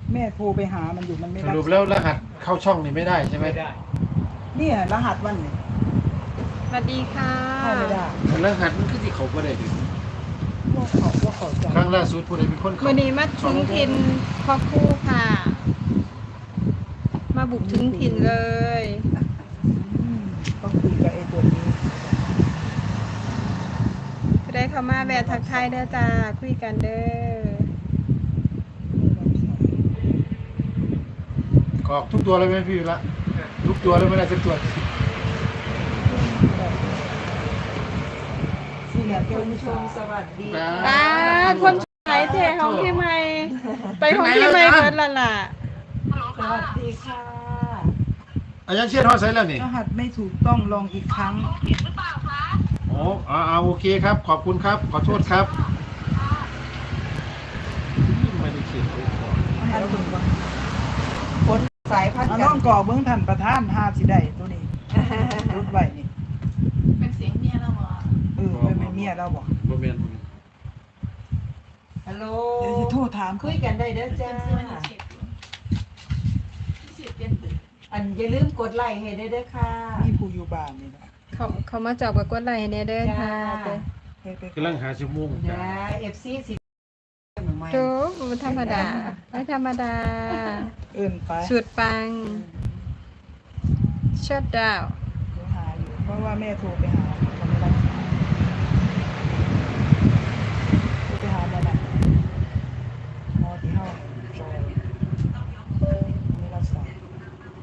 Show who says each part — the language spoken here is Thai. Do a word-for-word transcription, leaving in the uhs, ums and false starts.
Speaker 1: แม่โทรไปหามันอยู่มันไม่
Speaker 2: ส
Speaker 1: รับ
Speaker 2: รุปแล้วรหัสเข้าช่องนี่ไม่ได้ใช่ไหม
Speaker 3: ไม่ได้
Speaker 1: เนี่ยรหัสวันนี่
Speaker 4: สวัสดีค่ะ
Speaker 1: ให้ไม่ได้
Speaker 2: รหัสมันคือที่เขาไม่ได้ดิ
Speaker 1: ว่าเขาว่าเขาจะ
Speaker 2: ครั้งล่าสุดผู้ใดเป็นคนเขา
Speaker 4: วันนี้มาถึงถิ่นพ่อคู่ค่ะ มาบุกถึงถิ่นเลย
Speaker 1: อืมต้องคุยกับไอ้ตัวนี้
Speaker 4: ก็ได้เข้ามาแวะทักทายเด้อจ้าคุยกันเด้อ
Speaker 2: กรอกทุกตัวเลยไหมพี่ละทุกตัวเลยไม่ได้สักตัว
Speaker 1: ที่เนี่ยเจ้า
Speaker 5: คุณ
Speaker 1: ผู้
Speaker 5: ช
Speaker 1: ช
Speaker 5: ม
Speaker 1: ม
Speaker 5: สวัสดี
Speaker 4: ตาคนไหนเทของพี่ใหม่ ไปของพี่ใหม่เกิดละล่ะ
Speaker 5: สวัสดีค่ะ
Speaker 2: อาจารย์เชียร์ทอดใส่แล้วนี่
Speaker 1: รหัสไม่ถูกต้องลองอีกครั้ง
Speaker 2: โอ้อ่าอ่าโอเคครับ ขอบคุณครับ ขอโทษครับไม่ได้เขียนไว้ก่อน
Speaker 1: รหัสถูกต้อง
Speaker 5: คนสายพันธุ์
Speaker 1: เอา
Speaker 5: กั
Speaker 1: น้อน งก่อเบื้องทันประธานห้าสิได้ตัวนี้รุดไว้นี่
Speaker 6: เป็นเสียงเมียเราเหรอ
Speaker 1: เออเป็นแม่เมียเราบอก
Speaker 2: บ่แม่น
Speaker 5: ฮัลโหล
Speaker 1: เดี๋ยวจะโทรถาม
Speaker 5: คุยกันได้เด้อจ้า
Speaker 6: เป็นเสื้อมันเสียบอยู่เสียบเปลี่ยนตึก
Speaker 5: อันอย่าลืมกดไลค์ให้ได้เด้อค่ะ
Speaker 1: มีผู้อยู่บ้านนี่นะ
Speaker 4: เขาเขามาจอบกับกดไลค์ให้แน่เด้อค่ะ
Speaker 1: ไปไป
Speaker 2: กำลังหาชั่วโมง
Speaker 5: นะเอฟซีสิใหม่
Speaker 4: โจ๊กมันธรรมดาไม่ธรรมดา
Speaker 1: เอิ่นไป
Speaker 4: สุดปังชัดดาว
Speaker 1: เดี๋ยวหาอยู่เพราะว่าแม่โทรไปหาเขาไม่รับสาย